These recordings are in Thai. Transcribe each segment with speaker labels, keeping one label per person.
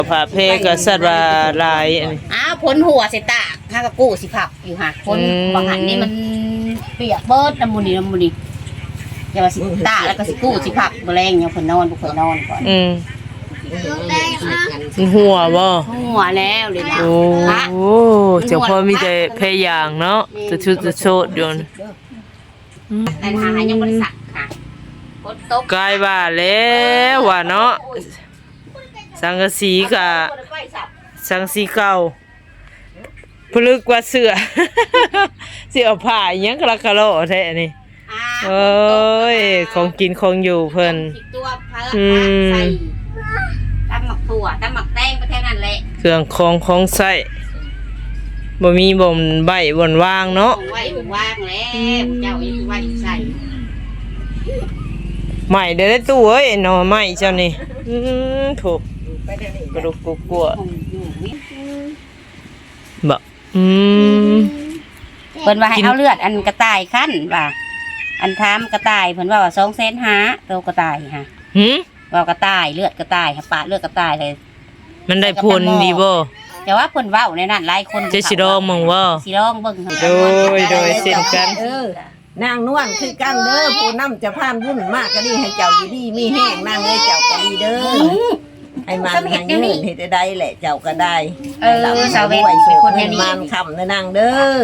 Speaker 1: ผ้าเพก็สัตว์ว่าลาย
Speaker 2: ผลหัวเสตากข้าก็กู้สิผักอยู่ค่ะผลบางหันนี่มันเปียกเบิดน้ำมันนี่อย่าว่าสิตาแล้วก็สิกู้สิผักแรงอย่างเพิ่นนอนบุกเพิ่นนอนก่อน
Speaker 1: หัวบ่
Speaker 2: หัวแล้วเลยนะ
Speaker 1: โอ้เจ้าพ่อมีแต่เพยางเนาะจะชุดจะโชดอยู่
Speaker 2: แต่ทางยังบริษัทค่ะกดตก
Speaker 1: กายว่าแล้วว่าเนาะสังกะสีกับสังสีเก่าพลึกกว่าเสือเสือผ้ายังกระกะโลแท้นี่เอ้ยของกินของอยู่เพิ่น
Speaker 2: ตัวใส่ตำหมักถั่วตำหมักแตงไปแค่นั้นแหละ
Speaker 1: เครื่องของใส่บ่มีบ่มใบบ่นว่างเนาะ
Speaker 2: ไว้ว่างแล้วเจ้าอยู่ไว้ใส่
Speaker 1: ใหม่ได้ตู้เอ้ยหน่อไม้เจ้านี่ถูกกระดูกกลัวบ่
Speaker 2: เพิ่นว่าให้เอาเลือดอันกระต่ายคั่นว่าอันทามกระต่ายเพิ่นว่า200,000ตัวกระต่ายค่ะว่ากระต่ายเลือดกระต่ายปาดเลือดกระต่ายเลย
Speaker 1: มันได้ผลดีบ่
Speaker 2: แต่ว่าเพิ่นเว้าในนั้นหลายคน
Speaker 1: จะสิลองมึงว่า
Speaker 2: สิลองเบิ่ง
Speaker 1: โดยเช่นกัน
Speaker 3: นางนวลคือกันเด้อผู้นำจะผ่านวุ่นมากก็ดีให้เจ้าอยู่ดีมีแห้งนางเอ้ยเจ้าก็ดีเด้อให้มันให้เงินให้ได้แหละเจ้าก็ได้
Speaker 2: สาวเวท
Speaker 3: เป็นคนอย่างนี้มันคำนะนางเด้อ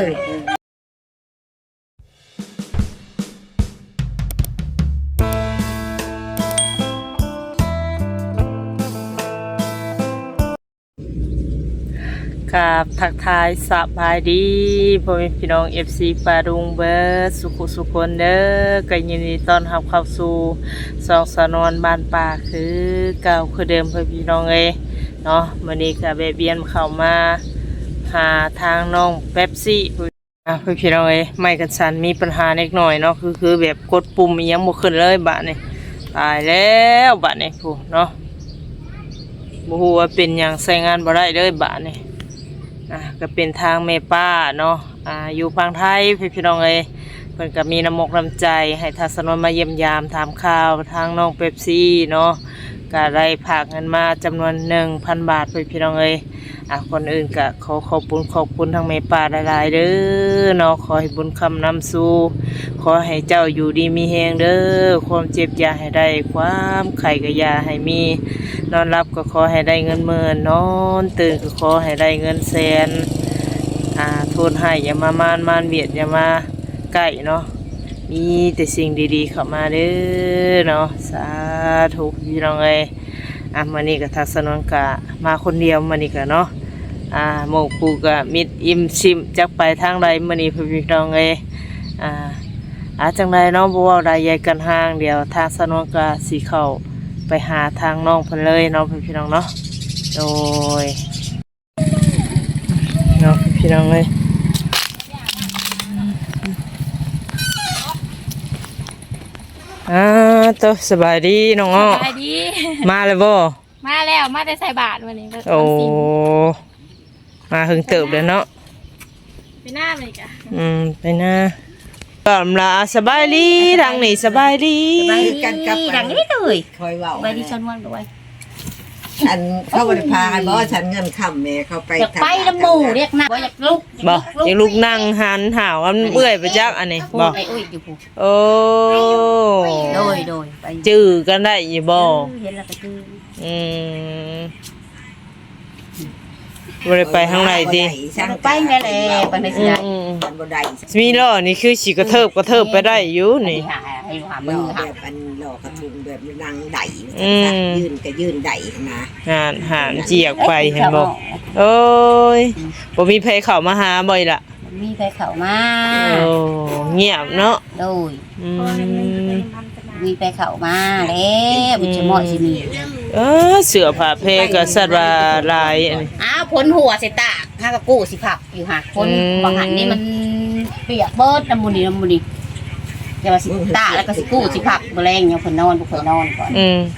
Speaker 1: กับทักทายสบายดีพ่อแม่พี่น้อง FC ปารุงเบิร์ดสุขคนเด้อก็ยินดีต้อนรับเข้าสู่สองสนวนบ้านป่าคือเก่าคือเดิมพ่อพี่น้องเนาะมื้อนี้ก็แวะเวียนเข้ามาหาทางน้องเป๊ปซี่พ่อพี่น้องไม่กันสันมีปัญหาเล็กน้อยเนาะคือแบบกดปุ่มยังบ่ขึ้นเลยบัดนี้ตายแล้วบัดนี้ผู้เนาะบ่ฮู้ว่าเป็นหยังใช้งานบ่ได้เลยบัดนี้ก็เป็นทางเมป้าเนาะอยู่ฝั่งไทยพี่น้องเพิ่นก็มีน้ำมกน้ำใจให้ทัศนมาเยี่ยมยามถามข่าวทางน้องเป๊ปซี่เนาะก็ได้ฝากเงินมาจำนวน 1,000 บาทพี่น้องคนอื่นก็ขอบคุณทางเมป้าหลายๆเด้อเนาะขอให้บุญคำนำสู่ขอให้เจ้าอยู่ดีมีแฮงเด้อความเจ็บอย่าให้ได้ความไข้ก็อย่าให้มีนอนรับก็ขอให้ได้เงินหมื่นนอนตื่นก็ขอให้ได้เงินแสนโทษให้อย่ามามานเบียดอย่ามาใกล้เนาะมีแต่สิ่งดีๆเข้ามาเด้อเนาะสาธุพี่น้องมื้อนี้ก็ทัศนนกะมาคนเดียวมื้อนี้ก็เนาะหมู่ปู่ก็มิดอิ่มชิมจักไปทางใดมื้อนี้พี่น้องจังไดเนาะบ่เว้าได้ใหญ่กันห่างเดียวทางสนนกะสิเข้าไปหาทางน้องเพิ่นเลยเนาะพี่น้องเนาะโดยเนาะพี่น้องตัวสบายดีน้องอ้อสบายดีมาเลยบ่
Speaker 4: มาแล้วมาแต่ใส่บาตรวันนี้
Speaker 1: โอ้มาหึงเติบเลยเนาะ
Speaker 4: ไปหน้าเลยกะ
Speaker 1: ไปหน้าก็ลาสบายดีทางนี้สบายดี
Speaker 2: กันกับดังนี้เลยคอยเว้าไปดิฉันวันด้วย
Speaker 3: ฉันเข้าไปพาบ่ฉันเงินค่ำแม่เข้าไป
Speaker 2: ไปน้ำหมูเรียกนะบ่อยากลุก
Speaker 1: บ่อยากลุกนั่งหันหาวมันเมื่อยไปจักอันนี้บ่โอ้
Speaker 2: โดยไป
Speaker 1: จื้อกันได้อยู่บ่
Speaker 2: เห็นแล้วก็จื้
Speaker 1: อบ่ได้ไปทางไหนติ
Speaker 2: ไปแม่แลไปในสิได้
Speaker 3: บ่ได้
Speaker 1: มีล้อนี่คือสิกระเทิบไปได้อยู่นี่
Speaker 2: ให้ว่ามือ
Speaker 3: แบบอันหลอกกระทุงแบบนั่งไดยืนก็ยืนไดนะ
Speaker 1: หานเจียกไปเห็นบ่โอ้ยบ่มีไผเข้ามาหาบ่อยล่ะ
Speaker 2: มีไผเข้ามา
Speaker 1: โอ้เงียบเนาะ
Speaker 2: โดยมีไผเข้ามาแล้วบ่จะเหมาะสิมี
Speaker 1: เสื้อผ้าเพก็สัตว์ว่าลาย
Speaker 2: ผลหัวเสตากข้าก็กู้สิผักอยู่ค่ะผลบางหันนี่มันเปียกเบิดน้ำมันนี่อย่าว่าสิตาแล้วก็สิกู้สิผักแรงอย่างเพิ่นนอนบ่เพิ่นนอนก่อน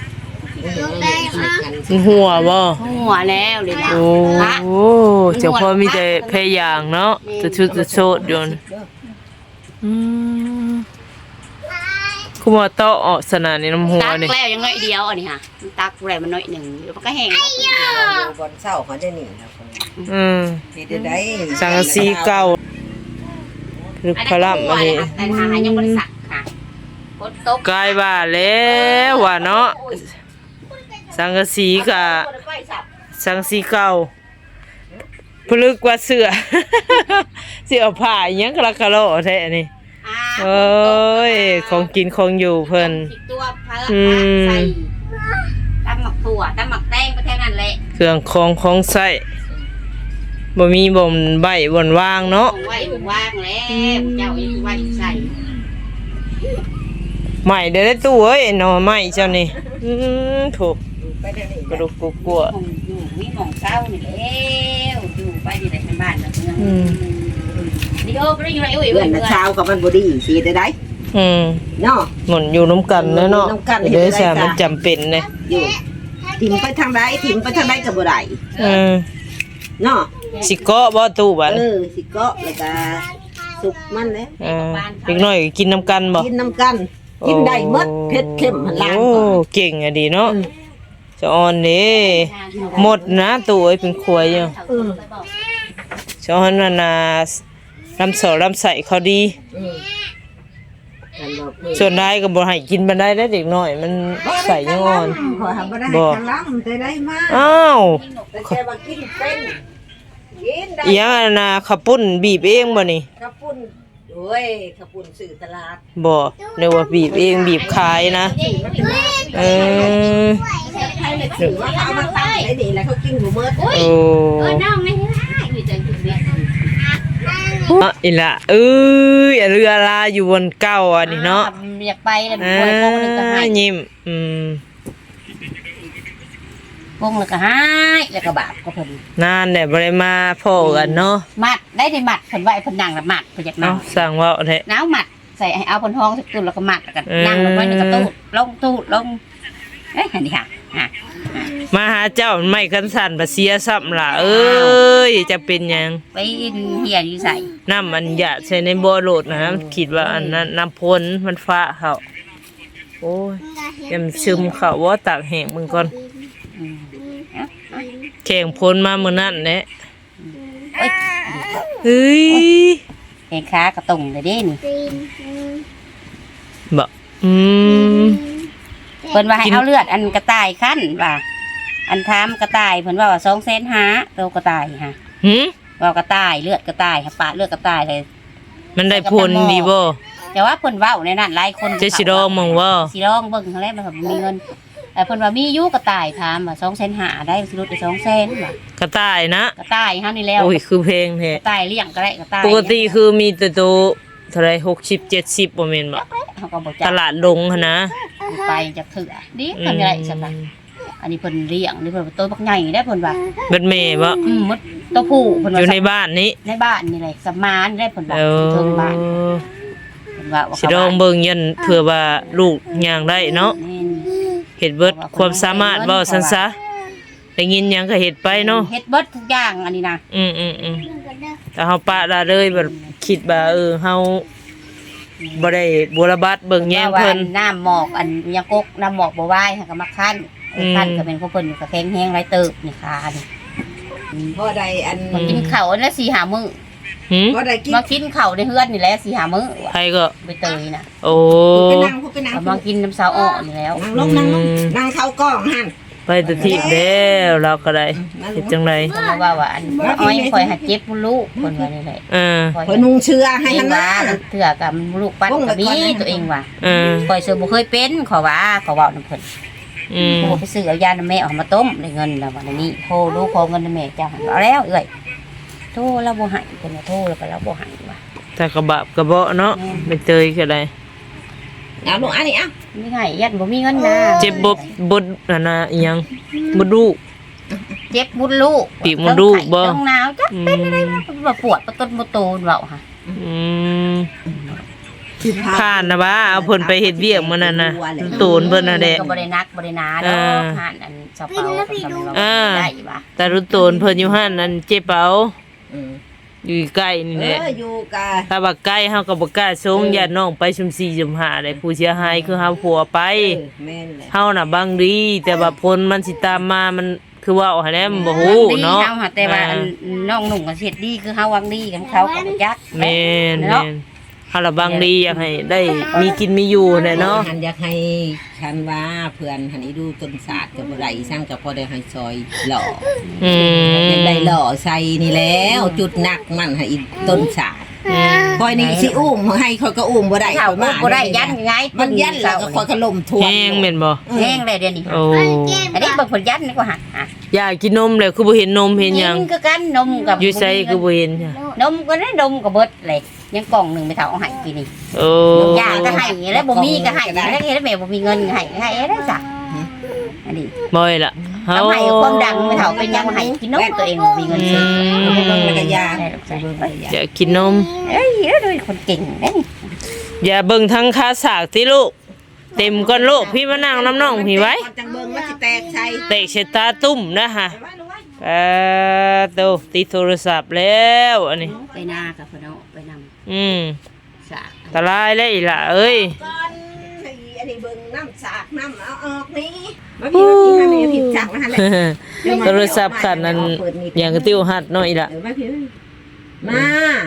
Speaker 1: หัวบ่
Speaker 2: หัวแล้วเลยนะ
Speaker 1: โอ้เจ้าพ่อมีแต่เพยางเนาะจะชุดจะโชดอยู่คุคือว่าเตาะออกสนานในน้ำหัว
Speaker 2: ตัก
Speaker 1: นี่
Speaker 2: แล้วยังน้อยเดียวอันนี้ค่ะมันตักแรงมันน้อยหนึ่งเดี๋ยวมันก็แห้ง
Speaker 3: อยู่บนเสาเขาได้หนีนะคน เฮ็ดได้
Speaker 1: สังกะสีเก่าคือพลัมอันนี้
Speaker 2: แต่ทหารยังบริษัทค่ะฝนตก
Speaker 1: กลายว่าแล้วว่าเนาะสังกะสีกับสังกะสีเก่าพลึกกว่าเสือ เสือผ้าอิหยังกะละกะโลแท้นี่เอ้ยของกินของอยู่เพิ่น
Speaker 2: ตัวพาใส่ตำหมักถั่วตำหมักแตงก็แค่นั้นแหละ
Speaker 1: เครื่องของใช้บ่มีบ่มใบบ่นวางเนาะ
Speaker 2: ของไว้ว่างแล้วเจ้ายังไว้ใส่
Speaker 1: ใหม่เด้อตู้เอ้ยหน่อไม้เจ้านี่ถูก
Speaker 3: ไปได้นี่
Speaker 1: กระดูกกลัว
Speaker 2: ของอยู่มีหมองเศร้านี่แล้วอยู่ไปที่ไหนกันบ้านนะเพื่อนนี่โอ้ไม่ได้อยู่ไหนอุ้ย
Speaker 3: เพื่อนน่ะเช้ากับมันบ่ดีสิได้ได้ เนาะ
Speaker 1: หมุนอยู่น้ำกันเนาะ
Speaker 3: น้ำกัน
Speaker 1: เด้อสามันจำเป็นเลย
Speaker 3: อยู่ถิ่มไปทางใดถิ่มไปทางใดก็บ่ได้เนาะ
Speaker 1: สิเกาะบ่ตู้บัด
Speaker 3: สิเกาะแล้วก็สุกมันแล้ว
Speaker 1: เด็กน้อยก็กินน้ำกันบ่
Speaker 3: กินน้ำกัน กินได้หมดเผ็ดเข้มหันล้าง
Speaker 1: โอ้
Speaker 3: ก่อน
Speaker 1: เก่งอะดีเนาะจะอ่อนเด้หมดนะตู้เอ้ยเป็นครัวอยู่จะอ่อนนั่นน่ะลำลำไส้เขาดี
Speaker 3: กันบอก
Speaker 1: ส่วนได้ก็บ่ให้กินบันไดได้เด็กน้อยมันใส่ยังอ่อน
Speaker 3: ขอทำบ่ได้
Speaker 1: บ่
Speaker 3: กันล้ำแต่ได้มา
Speaker 1: อ้าว
Speaker 3: แต่แค่ว่ากินเป็นกินได้
Speaker 1: อีหยังอะนะข้าวปุ้นบีบเองบ่นี่
Speaker 3: ข้าวปุ้นโอ้ยข้าวปุ้นสื่อตลาด
Speaker 1: บ่เรียกว่าบีบเองบีบขายนะเออ
Speaker 3: ถือว่าเขาเอามาตั้งได้ดีแล้วเขากินหมูเมิด
Speaker 1: โอ้
Speaker 2: น้องไม่ได้อยู่จังจุดนี้
Speaker 1: อีละเอ้ยเรือลาอยู่บนเก้าอันนี้เนาะ
Speaker 2: อยากไปแล้วป่วยโป้งเลยก็หาย
Speaker 1: ยิ้ม
Speaker 2: โป้งเลยก็หายแล้วก็บาปก็พอดี
Speaker 1: นานแต่บ่ได้มาพ้อกันเนาะ
Speaker 2: มัดได้ในมัดผลไว้ผลนังละมัดผลอยาก
Speaker 1: เนาะ
Speaker 2: นั่ง
Speaker 1: สั่งว่าแท้
Speaker 2: น้าวมัดใส่ให้เอาผลทองสักตุ่นแล้วก็มัดแล้วก็นั่งลงไว้ในกระตู้ลงเอ้ยอันนี้ค่ะ
Speaker 1: มาหาเจ้าไม่คันสั่นบ่เสียซ้ำล่ะเอ้ยจะเป็นหยัง
Speaker 2: ไปเหียอยู่ใส่
Speaker 1: น้ำมันหยาใส่ในบ่อโหลดนะคิดว่าอันนั้นน้ำพ่นมันฟ้าเขาโอ้ยยำซึมเขาว่าตากแห้งมึงก่อนแข่งพ่นมามื้อนั้นแหละเฮ้ย
Speaker 2: แขนขากระตุงเลยเด้นี่
Speaker 1: บ่
Speaker 2: เพิ่นว่าให้เอาเลือดอันกระต่ายขั้นว่าอันทามกระต่ายเพิ่นว่า200,000ตัวกระต่ายค่ะ
Speaker 1: หืม
Speaker 2: ว่ากระต่ายเลือดกระต่ายค่ะปะเลือดกระต่ายเลย
Speaker 1: มันได้ผลดีบ่
Speaker 2: แต่ว่าเพิ่นเว้าในนั้นหลายคน
Speaker 1: จะสิลองมึงว่า
Speaker 2: สิลองเบิ่งครั้งแรกมันก็มีเงินแต่เพิ่นว่ามีอยู่กระต่ายถามว่า200,000ได้สิลดไป200,000ว่ะ
Speaker 1: กระต่ายนะ
Speaker 2: กระต่ายเฮานี่แล้ว
Speaker 1: โอ้ยคือเพลงแท้
Speaker 2: กระต่ายเลี้ยงก็ได้กระต่าย
Speaker 1: ปกติคือมีแต่ตัวเท่าไหร่60 70บ่แม่นบ่
Speaker 2: เฮาก็บ่
Speaker 1: ต
Speaker 2: จัก
Speaker 1: ลาดลงหั่นนะ
Speaker 2: ไปจากเถื่อดีทำอะไรซั่นน่ะอันนี้เพิ่นเลี้ยงนี่เพิ่นตัวบักใหญ่ได้เพิ่นว่า
Speaker 1: เบิดแม่บ่
Speaker 2: มดตัวผู้เพิ่น
Speaker 1: อ
Speaker 2: ว่า
Speaker 1: ยู่ในบ้านนี้
Speaker 2: ในบ้านนี่แหละสมานได้เพิ่นว่า
Speaker 1: เออ
Speaker 2: เทิงบ้านเพิ่นว่า
Speaker 1: สิลองเบิ่งยันเผื่อว่าลูกย่างได้เนาะ
Speaker 2: แม่น
Speaker 1: เฮ็ดเบิดความสามารถเว้าซั่นซะได้ยินหยังก็เฮ็ดไปเนาะ
Speaker 2: เฮ็ดเบิดทุกอย่างอันนี้นะ
Speaker 1: แต่เฮาปะละเลยแบบคิดว่าเฮาบ่ได้บุรบัตเบิ่งแยงเพิ่น
Speaker 2: ว่าน้ำหมอกอันยังกกน้ำหมอกบ่ไหวค่ะก็มาคั่นคั่นก็เป็นของเพิ่นก็แข็งแห้งหลายเติบนี่ค่ะนี่
Speaker 3: บ่ได้อัน
Speaker 2: มากินข้าวอันละ4-5มื้อ
Speaker 1: หืม
Speaker 3: บ่ได้กิน
Speaker 2: มากินข้าวในเฮือนนี่แหละ4-5มื้อ
Speaker 1: ใครก็
Speaker 2: ใบเตยน่ะ
Speaker 1: โอ้
Speaker 3: ไปนั่งพูดไปนั่ง
Speaker 2: ก็มากินน้ำสาวอ้อนี่แล้ว
Speaker 3: นั่งลงนั่งเข้ากล้องหั่น
Speaker 1: ไปแตะทีบแล้วเราก็ได้เฮ็ดจังได
Speaker 2: เพิ่นว่าอันอ้อยข่อยหัดเจ็บมุลูกเพิ่นว่านี่แหละ
Speaker 3: เพิ่นนุ่งเชื้อให้
Speaker 2: ให้
Speaker 3: หั่น
Speaker 2: ว่า
Speaker 3: นะ
Speaker 2: เถื่อกับลูกปั้นก็มีตัวเองว่า
Speaker 1: เออ
Speaker 2: ข่อยซื้อบ่เคยเป็นขอว่าขอเว้านำเพิ่น โทรไปซื้อเอายาน้ำแม่ออกมาต้มได้เงินแล้ววันนี้โทรลูกขอเงินน้ำแม่จ้าเอาแล้วเอ้ยโทรแล้วบ่ให้เพิ่นว่าโทรแล้วก็แล้วบ่ให้ว่ะ
Speaker 1: แต่กระบะกระเบาะเนาะไปเตยก็ได้
Speaker 3: เอาลูกอันนี้อ่ะ
Speaker 2: ไม่ให้ยันบ่มีเงินนะ
Speaker 1: เจ็บบดนั่นน่ะอีหยังบ่ดู
Speaker 2: เจ็บมุดลูก
Speaker 1: ปีกมดลูกบ่
Speaker 2: ต้องหนาวจักเป็นอะไรวะบ่ปวดบ่ต้นบ่โตนเว้าค่ะ
Speaker 1: อืมผ่านนะว่าเอาเพิ่นไปเฮ็ดเวียกมื้อนั้นน่ะตูนเพิ่นน่ะแหละ
Speaker 2: ก็บ่ได้นักบ่ได้หนาดอกผ่านอันเสาเปาก็ทำให้เราได้ว่ะ
Speaker 1: แต่รุ่นตูนเพิ่นอยู่หั่นนั่นเจ็บเป๋าอยู่ใกล้นี่แหละ
Speaker 3: อยู่กะ
Speaker 1: ถ้าว่าใกล้เฮาก็บ่กล้าส่งญาติน้องไปชุม4ชุม5ได้ผู้เสียหายคือเฮาผัวไป
Speaker 3: แม่นแหละ
Speaker 1: เฮาน่ะบางดีแต่ว่าผลมันสิตามมามันคือว่าเอาให้แล้วมันบ่ฮู้เนาะ
Speaker 2: เฮาหาแต่ว่าน้องหนุ่มก็เฮ็ดดีคือเฮาหวังดีกับเขาก็บ่จัก
Speaker 1: แม่น
Speaker 2: เนาะ
Speaker 1: แม่นเฮาละบางดีอยากให้ได้มีกินมีอยู่แน่เนาะ
Speaker 3: หันอยากให้คันว่าเพื่อนหันนี้ดูต้นศาสตร์กับบ่ได้สร้างกับพอได้ให้ซอยหล่อ
Speaker 1: อืม
Speaker 3: ยังได้หล่อใส่นี่แล้วจุดหนักมันให้อีต้นศาสตร์คอยนี่สิอุ้มให้คอยก็อุ้มบ่ได้
Speaker 2: เขา
Speaker 3: ข้อย
Speaker 2: บ่ได้ยันไง
Speaker 3: มันยันแล้วก็คอยก็ล่มทวน
Speaker 1: แห้งแม่นบ่
Speaker 2: แห้งเลยเดี๋ยวนี้
Speaker 1: โอ้
Speaker 2: อันนี้บางคนยันนี่ก็หักอ่ะ
Speaker 1: อยากกินนมแล้วคือบ่เห็นนมเห็นหยัง
Speaker 2: กิคือกันนมกับ
Speaker 1: อยู่ไสคือบ่เห็นจ้ะ
Speaker 2: นมก็ได้นมกับเบิดเลยยังกล่องหนึงไปเท่าเอาให้กินนี่
Speaker 1: โอ้
Speaker 2: ยาก็ให้แล้วบ่มีก็ให้แล้วเฮ็ดแม่บ่มีเงินก็ให้ได้จ้ะอันนี้
Speaker 1: บ่อยล่ะเฮา
Speaker 2: เอาให้ความดังไปเท่าเป็นยังให้กินนมตัวเองบ่มีเงินซื้อ
Speaker 3: แล้วก็ยา
Speaker 2: ได้หรอกจ้ะ
Speaker 1: อยากกินนม
Speaker 2: เอ้ยแล้วดูคนเก่งเด้นี่
Speaker 1: อย่าเบิ่งทั้งคาสากติลูกเต็มก้อนโลกพี่มานั่งน้ำน้องพี่ไว้
Speaker 3: จังเบิ่งว่าสิแตกใส่
Speaker 1: เตะเชตาตุ่มนะฮะโตติดโทรศัพท์แล้วอันนี้
Speaker 2: ไปนากับเพิ่นเอาไปนำ สาก
Speaker 1: ตะลายเลยอีหล่ะเอ้ย
Speaker 3: ก่อนให้อันนี้เบิ่งน้ำสากน้ำเอาออกนี่มาพี่มาพี่ผิดจักมาหั่นแหละ
Speaker 1: โทรศัพท์ขันนั้นอย่างกระติ้วหัดเนาะอีหล่ะ
Speaker 3: เดี๋ยวมาพี่มา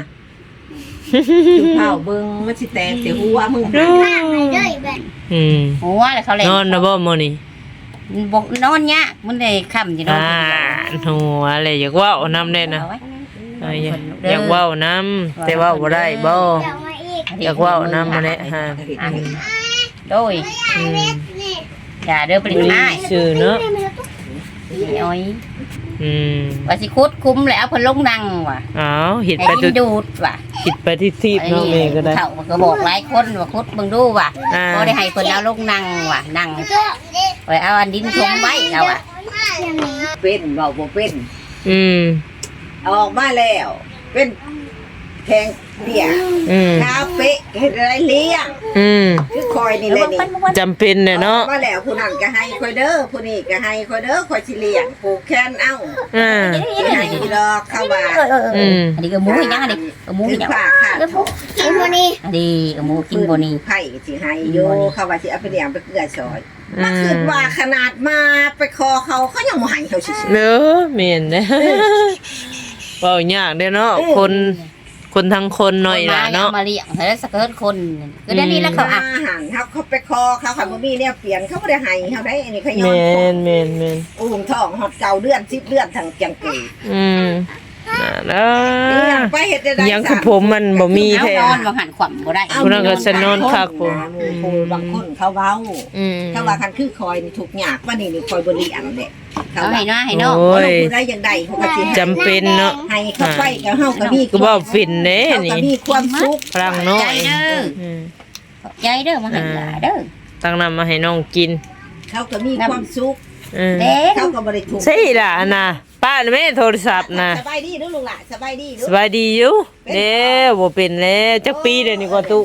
Speaker 3: จุดเผาเบิ่งมันสิแตกเสียหัวมึง
Speaker 1: อืม
Speaker 2: หัวแล้วเขาเล่น
Speaker 1: นอนนะบ่มื้อนี้
Speaker 2: บ่นอนยากมันได้ค่ำสินอน
Speaker 1: หัวอะไรอยากเว้านำได้นะ
Speaker 2: เอาไว้
Speaker 1: อยากเว้านำแต่เว้าบ่ได้บ่อยากเว้านำมาแหละฮะ
Speaker 2: โดยอย่าเด้อปริญญา
Speaker 1: ชื่อเนาะ
Speaker 2: อ้อย
Speaker 1: อืม
Speaker 2: ว่าสิคุดคุ้มแล้วเพิ่นลงนั่งว่ะ
Speaker 1: อ้าวเฮ็ด
Speaker 2: ให้
Speaker 1: ไป
Speaker 2: กิ
Speaker 1: ตุ
Speaker 2: นดูดว่ะ
Speaker 1: คิดไปที่ทีบเนาะแม่ก็ได้
Speaker 2: เขาก็บอกหลายคนว่าคุดเบิ่งดูว่ะ
Speaker 1: อ่า
Speaker 2: บ่ได้ให้เพิ่นเอาลงนั่งว่ะนั่งไว้เอาอันดินถมไว้เอาอ่ะ
Speaker 3: เป็นเบาบ่เป็น
Speaker 1: อืม
Speaker 3: ออกมาแล้ว เป็นแข็งเปียก
Speaker 1: อืม
Speaker 3: คาเฟ่เฮ็ดอะไรเลี้ยง
Speaker 1: อืม
Speaker 3: คือคอยนี่แหละนี่
Speaker 1: จำเป็นเนี่ยเนาะ
Speaker 3: ออกมาแล้วผู้นั้นก็ให้คอยเด้อผู้นี้ก็ให้คอยเด้อคอยสิเลี้ยงผูกแขนเอ้า
Speaker 1: อ่า
Speaker 3: สิให้ดอกเข้าว่า
Speaker 1: อืม
Speaker 2: อันนี้ก็หมูอีหยังอันนี้ก็หมู
Speaker 3: ถึ
Speaker 2: อี
Speaker 3: ง
Speaker 2: หยัง
Speaker 3: ฝากค่ะ
Speaker 2: อันนี้ก็หมูกินบ่นี่
Speaker 3: ไผ่สิให้โยเขาว่าสิเอาไปเลี้ยงไปเกลือซอย
Speaker 1: อืม
Speaker 3: มาคิดว่าขนาดมาไปคอเขายังบ่ให้เขาสิ
Speaker 1: เด้อแม่นเด้อเว้ายากเด้อเนาะคนทั้งคนหน่อยล่ะเนาะ
Speaker 2: มาเลี้ยงให้สักเกินคนก็ได้นี่แล้วเขาอ่ะ
Speaker 3: อาหารเขาไปคอเขาค่ะบ่มีเนี่ยเปลี่ยนเขาบ่ได้ให้เขาได้อันนี้เขาย้อ
Speaker 1: แม่
Speaker 3: น
Speaker 1: นแม่นแม่น
Speaker 3: อุ้มท้องฮอดเก่าเดือน10เดือนทั้งจังเกย
Speaker 1: อืมน่ะ
Speaker 3: เลี้ยงไปเฮ็ดได้
Speaker 1: ยังคือผมมันบ่มี
Speaker 2: เอา
Speaker 1: แท้
Speaker 2: นอนบ่หันขวัญบ่ได้
Speaker 1: ผู้นั้นก็สนอนคักผม
Speaker 3: บางคนเขาเว้า
Speaker 1: อืม
Speaker 3: ถ้าว่าคันคือคอยนี่ทุกข์ยากว่านี่คอยบ่เลี้ยงเด้เขา
Speaker 2: เอา
Speaker 3: ว่า
Speaker 2: ให้น้าให้น้อง
Speaker 1: โอ้ย
Speaker 3: ผู้ใดอย่างใดเขาก็สิให้
Speaker 1: จำเป็นเนาะ
Speaker 3: ให้เขาไปกับเฮาก็มี
Speaker 1: ก็บ่ฟินเด้
Speaker 3: เขาก็
Speaker 1: นี่
Speaker 3: มีความสุข
Speaker 1: พลังน้อ
Speaker 2: ใจ
Speaker 1: ย
Speaker 2: เด้อ
Speaker 1: อืม
Speaker 2: ใจเด้อมาให้หลาเด้อ
Speaker 1: ตั้งนำมาให้น้องกิน
Speaker 3: เขาก็มีความสุข
Speaker 1: อืม
Speaker 2: เด้อ
Speaker 3: เขาก็บ่ได้ทุกข์
Speaker 1: ใช่ล่ะอันน่ะป้าน่ะแม่โทรศัพท์น่ะ
Speaker 3: สบายดีเด้อลูกหล่ะสบายดีเด้
Speaker 1: ส
Speaker 3: อบ
Speaker 1: ายดีอยู่เด้อบ่เป็นแล้วจักปีเดี๋ยวนี้ก็ตุ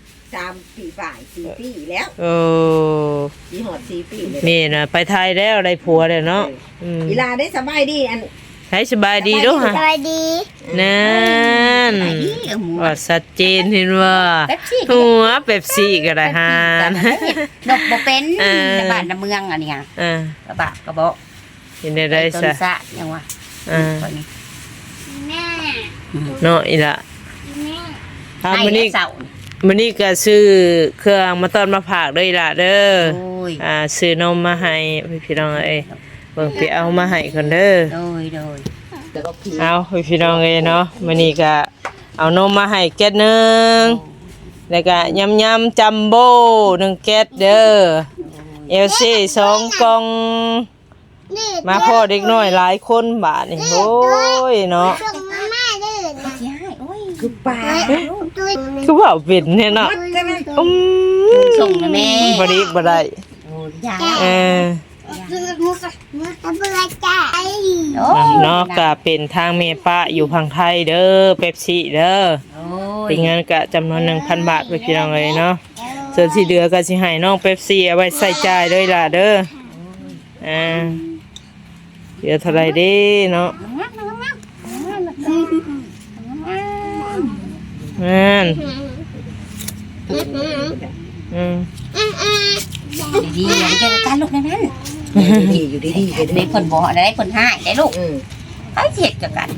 Speaker 3: 3 ปีฝ่าย4 ปีแล้ว
Speaker 1: โอ้
Speaker 3: สิฮอด4 ปีเลย
Speaker 1: นี่น่ะไปไทยแล้วได้ผัวแล้วเนาะอืม
Speaker 3: เวลาได้สบายดีอัน
Speaker 1: ให้สบายดีเด้อฮะ
Speaker 4: สบายดี
Speaker 1: นั่น
Speaker 2: ไอ้นี่เอาหมู
Speaker 1: ว่าชัดเจนเห็นว่า
Speaker 2: เป๊ปซี่
Speaker 1: หัวเป๊ปซี่ก็ได้ฮะ
Speaker 2: ดอกบ่เป็น
Speaker 1: เออ
Speaker 2: ในบ้านในเมืองอันนี้อ่ะ
Speaker 1: อ่าก
Speaker 2: ระบะกระเบาะ
Speaker 1: เห็นได้
Speaker 2: ต้น
Speaker 1: ซะ
Speaker 2: สะยังว่า
Speaker 1: อ่า
Speaker 2: คนนี้
Speaker 4: แม่
Speaker 1: เนาะอีละ
Speaker 4: แม่
Speaker 1: อ่า
Speaker 2: ให้
Speaker 1: มื้อนี้
Speaker 2: เสา
Speaker 1: มื้อนี้ก็ซื้อเครื่องมาต้อนมาฝากด้วยล่ะเด้อ
Speaker 2: โอ้ย
Speaker 1: ซื้อนมมาให้พี่น้องเอ้ยเบิ่งไปเอามาให้คนเด้อ
Speaker 2: โดยโดย
Speaker 1: เอาพี่น้องเอ้ยเนาะมื้อนี้ก็เอานมมาให้แก๊สหนึงแล้วก็ยำๆจัมโบ้1แก๊สเด้อเอลซี่2กล่อง
Speaker 4: นี่
Speaker 1: มาพ่อเด็กน้อยหลายคนบาดนี่โอ้ยเนาะ
Speaker 4: ส่งมาแม่เด้อ
Speaker 2: สิให้โอ้ย
Speaker 3: คือป่า
Speaker 4: ตุ้ย
Speaker 1: คือว่าเป็นเนี่ยเนาะอืม
Speaker 2: ส่งนะแม่
Speaker 1: บ่ดีบ่ได้
Speaker 2: โอ้ยยา
Speaker 1: เออ
Speaker 4: มุกมุกเบื่อจ้าไอ้
Speaker 2: โอ้ย
Speaker 1: เนาะก็เป็นทางเมป้าอยู่พังไทยเด้อเป๊ปซี่เด้อ
Speaker 2: โอ้ย
Speaker 1: เป็นเงินก็จำนวน 1,000 บาทไปพี่น้องเลยเนาะส่วนที่เหลือก็สิให้น้องเป๊ปซี่เอาไว้ใส่จ่ายด้วยล่ะเด้อเหลือเท่าไหร่เด้เนาะนั่น
Speaker 2: ดีๆอย่าไปเจอกันลูกในนั้น
Speaker 3: ดีอยู่ดีๆกัน
Speaker 2: เด็กคนบ่ได้คนให้ได้ลูก
Speaker 3: อืม
Speaker 2: ไอ้เจ็ดจังกัน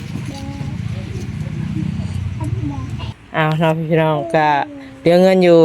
Speaker 1: เอาเนาะพี่น้องก็เหลือเงินอยู่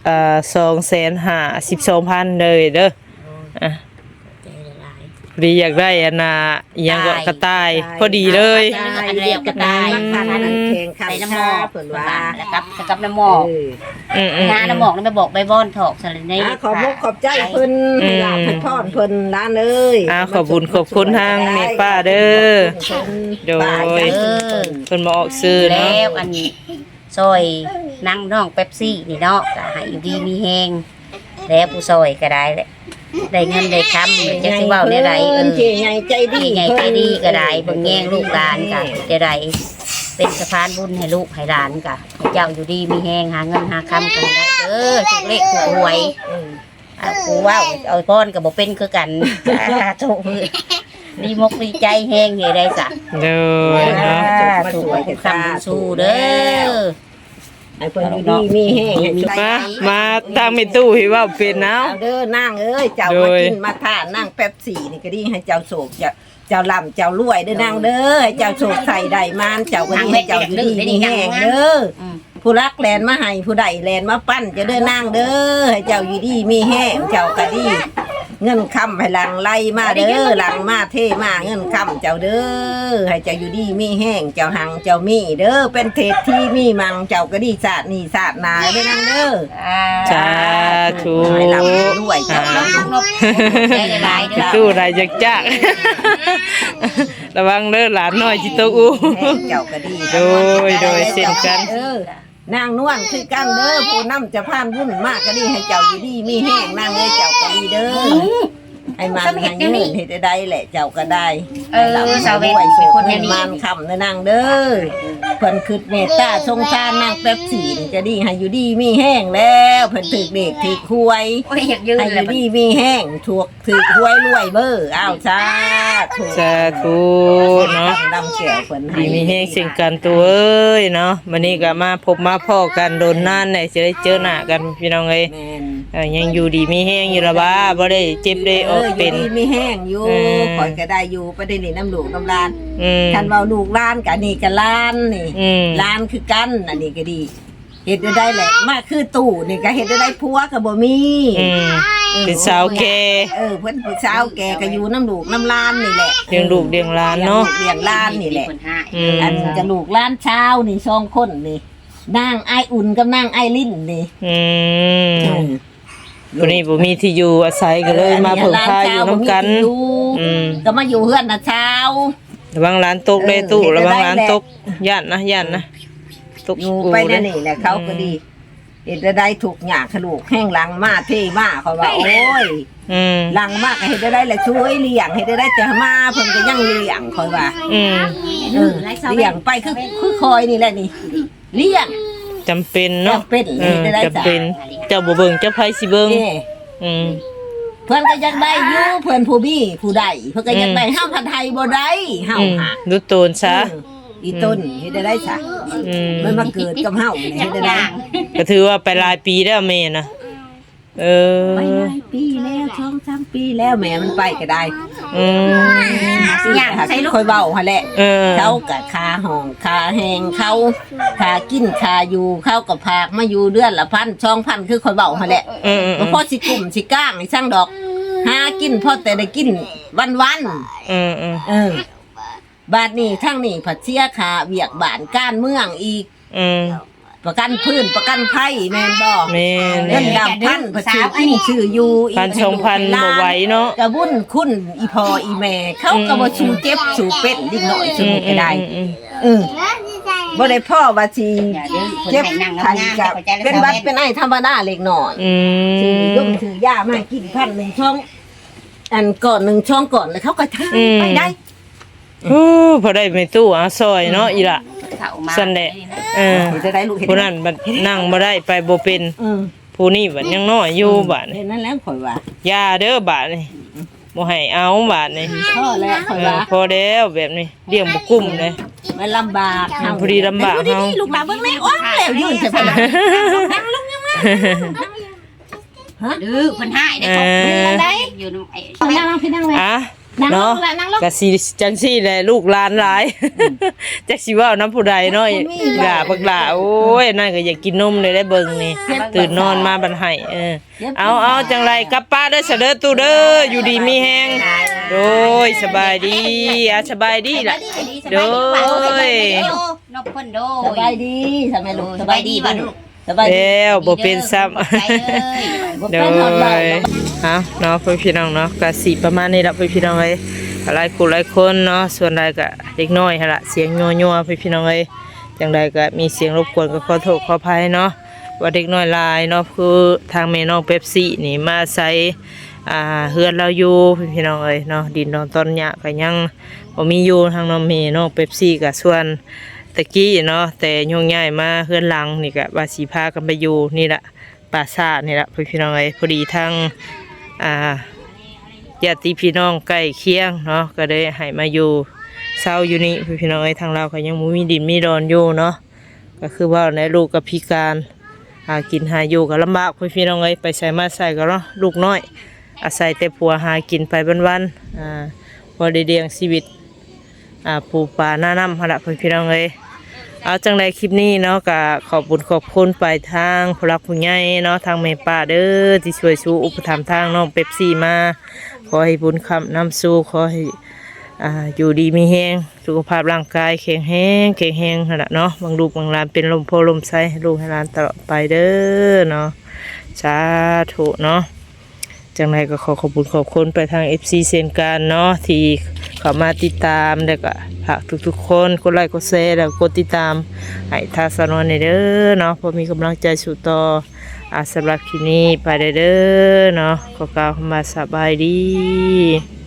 Speaker 1: 2,512,000เลยเด้ออ่ะพอดีอยากได้อันน่ะอิหยังก็กระต่ายพอดีเลย
Speaker 2: อันเรียกกระต่าย
Speaker 3: คันนั้นแข่งขัน
Speaker 2: ใส่น้ำหม
Speaker 3: ชา
Speaker 2: อก
Speaker 3: เพิ่นว่า
Speaker 2: แล้วกับน้ำหมอก งานน้ำหมอกนั่นไปบอกใบบอนถอกสลัดใน
Speaker 3: ขอบขอบใจเพิ่นอยากให้พรเพิ่นร้านเอ้ย
Speaker 1: ขอบคุณทางเมป้าเด้อโดยเพิ่นมาออกซื้อ
Speaker 2: แล้
Speaker 1: เนาะ
Speaker 2: วอันซอยนั่งน้องเป๊ปซี่นี่เนาะก็ให้อยู่ดีมีแฮงแล้วผู้ซอยก็ได้แหละได้เงินได้คำเลยจะสิเว้าได้ไร
Speaker 3: เจใหญ่ใจดี
Speaker 2: ใหญ่ใจดีก็ได้เบิ่งแย่งลูกหลานก็จะได้เป็นสะพานบุญให้ลูกให้หลานก็ให้เจ้าอยู่ดีมีแฮงหาเงินหาคำกันได้ถูกเลขถูกหวยกูว่าเอาพรก็บ่เป็นคือกันถูกดีมกดีใจแฮงเฮ็ดได้ซะ
Speaker 1: โดยเนาะ
Speaker 2: ถูกคำบุญสู้เด้อ
Speaker 3: ไอ้เพิ่นดีมีแห้ง
Speaker 1: มาทางเมตู้ที่ว่าเป็นเนาะ
Speaker 3: เอาเด้อนางเอ้ยเจ้ามากินมาทานนางแป๊บสี่นี่ก็ดีให้เจ้าโศกเจ้าลำเจ้ารวยเด้อนางเด้อให้เจ้าโศกใส่ได้มานเจ้าก็ดีให้เจ้าอยู่ดีมีแห้งเด้อผู้รักแลนมาให้ผู้ใดแลนมาปั้นจะเด้อนางเด้อให้เจ้าอยู่ดีมีแห้งเจ้าก็ดีเงินคำให้หลังไล่มาเด้อหลังมาเทมาเงินคำเจ้าเด้อให้เจ้าอยู่ดีมีแห้งเจ้าหังเจ้ามีเด้อเป็นเทศที่มีมังเจ้าก็ดีศาสตร์นี่ศาสตร์นาเด้อนางเด้อ
Speaker 1: สาธุ
Speaker 3: ให้ลำด้วยเจ้าลำ
Speaker 2: ได้หลายเด้อ
Speaker 1: ตู้ได้จักจักระวังเด้อหลานน้อยจิตกอู
Speaker 3: เจ้าก็ดี
Speaker 1: โดยเช่นกัน
Speaker 3: นางนวลคือกันเด้อผู้นำจะผ่านวุ่นมากก็ดีให้เจ้าอยู่ดีมีแห้งนางเอ้ยเจ้าก็ดีเด้อให้มันให้เงินให้ได้แหละเจ้าก็ได้สาวด้วยสุคนให้มันคำนะนางเด้อเพิ่นคือเมตตาสงสารนางแป๊บสีนี่จะดีให้อยู่ดีมีแห้งแล้วเพิ่นถือเด็กถือควย
Speaker 2: โอ้ยอยากยืน
Speaker 3: ให้อ
Speaker 2: เลย
Speaker 3: ยู่ดีมีแห้งถูกถือควยรวยเบ้ออ้าวจ้าถูก
Speaker 1: สาธุเนาะ
Speaker 3: ดำเสียวเพิ่นให้
Speaker 1: ดีมีแห้งสิ่งกันตัวเอ้ยเนาะวันนี้ก็มาพบมาพ่อกันโดนนานไหนจะได้เจอหน้ากันพี่น้องเอ้ย
Speaker 3: แม่น
Speaker 1: ยังอยู่ดีมีแห้งอยู่ละบ้าบ่ได้เจ็บได้ออกเป็น
Speaker 3: อยู่ดีมีแห้งอยู่ข่อยก็ได้อยู่ประเด็นนี้น้ำลูกน้ำลาน
Speaker 1: ม
Speaker 3: คันเว้าลูกล้านกับนี่กับล้านนี่
Speaker 1: อืม
Speaker 3: ล้านคือกันอันนี้ก็ดีเฮ็ดได้แหละมาคือตู้นี่ก็เฮ็ดได้ผัวก็บ่มี
Speaker 1: อืมเป็นสาวแก่
Speaker 3: เพิ่นผู้สาวแกก็อยู่น้ำลูกน้ำลานนี่แหละ
Speaker 1: เลี้ยงลูกเลี้ยงหลานเนาะ
Speaker 3: เลี้ยงล้านนี่แหละ
Speaker 1: อืม
Speaker 3: อันนี้ก็ลูกล้านเช้านี่สองคนนี่นางไออุ่นกับนางไอลิ้นนี่
Speaker 1: อืมวันนี้บ่มีที่อยู่อาศัยก็เลยมาเพิ่งพาอยู่น้ำกัน อืม
Speaker 3: ก็มาอยู่เฮือนน่ะเช้า
Speaker 1: ระวังร้านตกเลยตู้ระวังร้านตกย่านนะตก
Speaker 3: อยู่ไปนั่นนี่แหละเขาก็ดีเฮ็ดได้ถูกหยาขลูกแห้งหลังมาเท่มาเขาว่าโอ้ย
Speaker 1: อืม
Speaker 3: หลังมากเฮ็ดได้แหละช่วยเลี้ยงเฮ็ดได้จะมาเพิ่นก็ยังเลี้ยงคอยว่า
Speaker 1: อืม
Speaker 3: เลี้ยงไปคือคอยนี่แหละนี่เลี้ยง
Speaker 1: จำเป็นเนาะ
Speaker 3: จำเป็น
Speaker 1: อืม
Speaker 3: ได้จ้ะ
Speaker 1: จำเป็นเจ้าบ่เบิ่งเจ้าไผสิเบิ่ง
Speaker 3: นี่
Speaker 1: อืม
Speaker 3: เพิ่นก็ยังได้อยู่เพิ่นผู้บี้ผู้ใดเพิ่นก็ยังได้เฮาพันไทยบ่ได้เฮา
Speaker 1: อืม
Speaker 3: หา
Speaker 1: ดูโตนซะ
Speaker 3: อีต้นเฮ็ดได้ซะ
Speaker 1: อืม
Speaker 3: มันมาเกิดกับเฮานี่เฮ็ดได้
Speaker 1: ก็ถือว่าไปหลายปีแล้วแม่นะเออ
Speaker 3: ไปหลายปีแล้ว2-3ปีแล้วแม่มันไปก็ได้
Speaker 1: อืม
Speaker 2: อย่างใส่ลูก
Speaker 3: ค่อยเว้าหั่นแหละ
Speaker 1: เออ
Speaker 3: เขากับคาห้องคาแหงเขาคากินคาอยู่เขากับพากมาอยู่เดือนละ1,000-2,000คือคอยเบาหั่นแหละ
Speaker 1: อืม
Speaker 3: บ่พอสิกลุ่มสิก้างให้ช่างดอกหากินพอแต่ได้กินวัน
Speaker 1: อืม
Speaker 3: บาดนี้ทั้งนี้ผัดเสียขาเวียกบานก้านเมืองอีก
Speaker 1: อืม
Speaker 3: ประกันพื้นประกันภัยแม่นบ่
Speaker 1: แม่น
Speaker 3: เงินดำพันผัดชื่อกินชื่ออยู่อีก
Speaker 1: 1,000-2,000บ่ไหวเนาะ
Speaker 3: กระบุญคุณอีพออีแม่เขาก็บ่ชูเจ็บชูเป็นดิ้งหน่อยชูก็ได้บ่ได้พ่อว่าสิเจ็บไข้กับเป็นบัดเป็นไอ้ธรรมดาเล็กน้อย
Speaker 1: อื
Speaker 3: ถือย
Speaker 1: ม
Speaker 3: มถือยามากิน1,000ช่องอันก่อน1ช่องก่อนแล้วเขาก็ทานไปได้
Speaker 1: โอ้พอได้แม่ตู้อาซอยเนาะอีล่ะ
Speaker 2: เข้ามา
Speaker 1: ซั่นแหละเออ
Speaker 3: จะได้ลูกเห็น
Speaker 1: ผู้นั้นบัดนั่งบ่ได้ไปบ่เป็นผู้นี้บัดยังน้อยอยู่บัด
Speaker 3: เห็นนั่นแล้วข่อยว่า
Speaker 1: ยาเด้อบาดนี่บ่ให้เอาบาดนี่
Speaker 3: พ่อแล้วข่อยว่า
Speaker 1: พอแล้วแบบนี้เลี้ยงบ่กุ้มเลย
Speaker 3: มันลำบาก
Speaker 1: พอดีลำบากเฮา
Speaker 3: ลูกหลานเบิ่งแม่อ้อนแล้วยืนใส่พลัง
Speaker 2: ดื้อเพิ่นให้ได้ของได้อยู่นำไอ้
Speaker 3: นั่งพี่นั่งเลย
Speaker 1: อ่ะ
Speaker 3: นั่งล
Speaker 1: เนาะ
Speaker 3: งละนั่งลง
Speaker 1: ก็สิจังซี่แหละลูกหลานหลายจักสิเว้านํผู้ใดเนาะหลาบักหลาโอ้ยนั่นก็อยากกินนมเลยได้เบิ่งนี่ตื่นนอนมาบัดให้เอาจังไรกลับป้าเด้อเสด็จตู้เด้ออยู่ดีมีแฮงโดยสบายดีสบายดีล่ะโดย
Speaker 2: นกเพิ่นโด
Speaker 3: สบายดีทำไมลูกสบายดีบ่ลูกสบายดี
Speaker 1: แล้วบ่เป็นซ้ำ
Speaker 2: บ่
Speaker 1: โดยฮะเนาะพี่น้องเนาะก็สิประมาณนี้ละพี่น้องเอ้ยหลายคนหลายคนเนาะส่วนใดก็เด็กน้อยหั่นล่ะเสียงยัวๆพี่น้องเอ้ยจังใดก็มีเสียงรบกวนก็ขอโทษขออภัยเนาะว่าเด็กน้อยหลายเนาะคือทางแม่น้องเป๊ปซี่นี่มาใส่เฮือนเราอยู่พี่น้องเอ้ยเนาะดินดอนต้นหญ้าก็ยังบ่มีอยู่ทางน้องแม่น้องเป๊ปซี่ก็ส่วนตะกี้เนาะแต่ยุ่งใหญ่มาเฮือนหลังนี่ก็ว่าสิพากันไปอยู่นี่ล่ะปราสาทนี่ล่ะพี่น้องเอ้ยพอดีทางญาติพี่น้องใกล้เคียงเนาะก็ได้ให้มาอยู่เศร้าอยู่นี่พี่น้องเอ้ยทางเราก็ยังมีดินมีดอนอยู่เนาะก็คือว่าในลูกกับพิการหากินหาอยู่ก็ลำบากพี่น้องเอ้ยไปใส่มาใส่ก็เนาะลูกน้อยอาศัยแต่ผัวหากินไปวันๆพอได้เลี้ยงชีวิตปูปลาหน้าน้ำหั่นล่ะพี่น้องเอ้ยเอาจังใดคลิปนี้เนาะก็ขอบคุณไปทางผู้รักผู้ใหญ่เนาะทางแม่ป้าเด้อที่ช่วยสู้อุปถัมภ์ทางน้องเป๊ปซี่มาขอให้บุญคำนำสู่ขอให้อยู่ดีมีแฮงสุขภาพร่างกายแข็งแรงนั่นแหละเนาะบางลูกบางหลานเป็นลมโพลมไส้ให้ลูกให้หลานตลอดไปเด้อเนาะสาธุเนาะจังไรก็ขอบคุณไปทาง FC เซนการเนาะที่เข้ามาติดตามแล้วก็ฝากทุกๆคนกดไลค์กดแชร์แล้วกดติดตามให้ทางสนวนเด้อเนาะพอมีกำลังใจสู่ต่อสำหรับคลิปนี้ไปเด้อเนาะขอกล่าวคำว่าสบายดี